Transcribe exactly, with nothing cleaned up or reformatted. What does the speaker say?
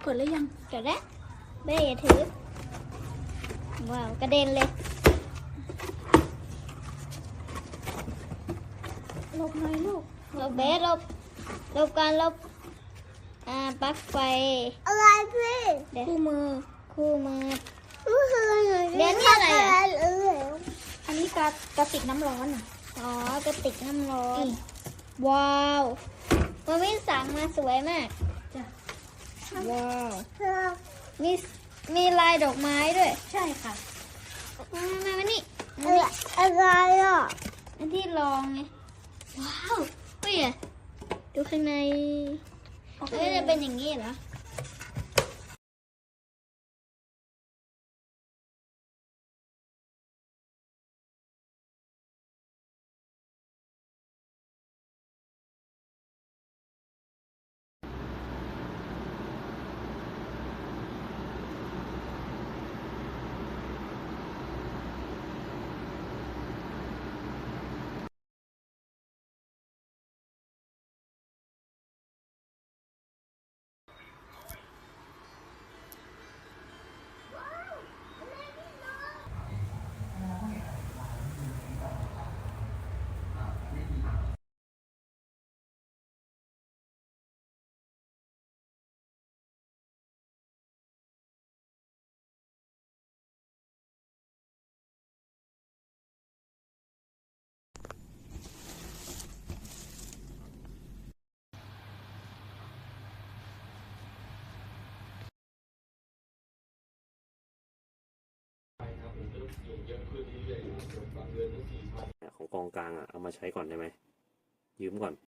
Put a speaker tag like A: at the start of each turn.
A: กดแล้วยัง
B: จดแล้วเบ้อย่าถือว้าวกระเด็นเลย
A: หลบหน่อยลูก
B: หลบเบสหลบหลบการหลบอ่าปลั๊กไฟ
C: อะไรพี่
B: เดี๋ยว
A: คู่มือ
B: คู่มือ
C: เรียนที่อะไรอ่ะ
A: อันนี้กระกระติกน้ำร้อนอ่ะ
B: อ๋อกระติกน้ำร้อน
A: นี่
B: ว้าวมันมีสั่งมาสวยมาก
A: จ้ะ
B: ว้าวมีมีลายดอกไม้ด้วย
A: ใช่ค่ะ
B: มามามานี่
C: อะไรอ่ะ
B: อันที่ลองไงว้าวเฮ้ยอะดูข้างในเอ้ยจะเป็นอย่างนี้เหรอ
D: ของกองกลางอ่ะเอามาใช้ก่อนได้ไหมยืมก่อน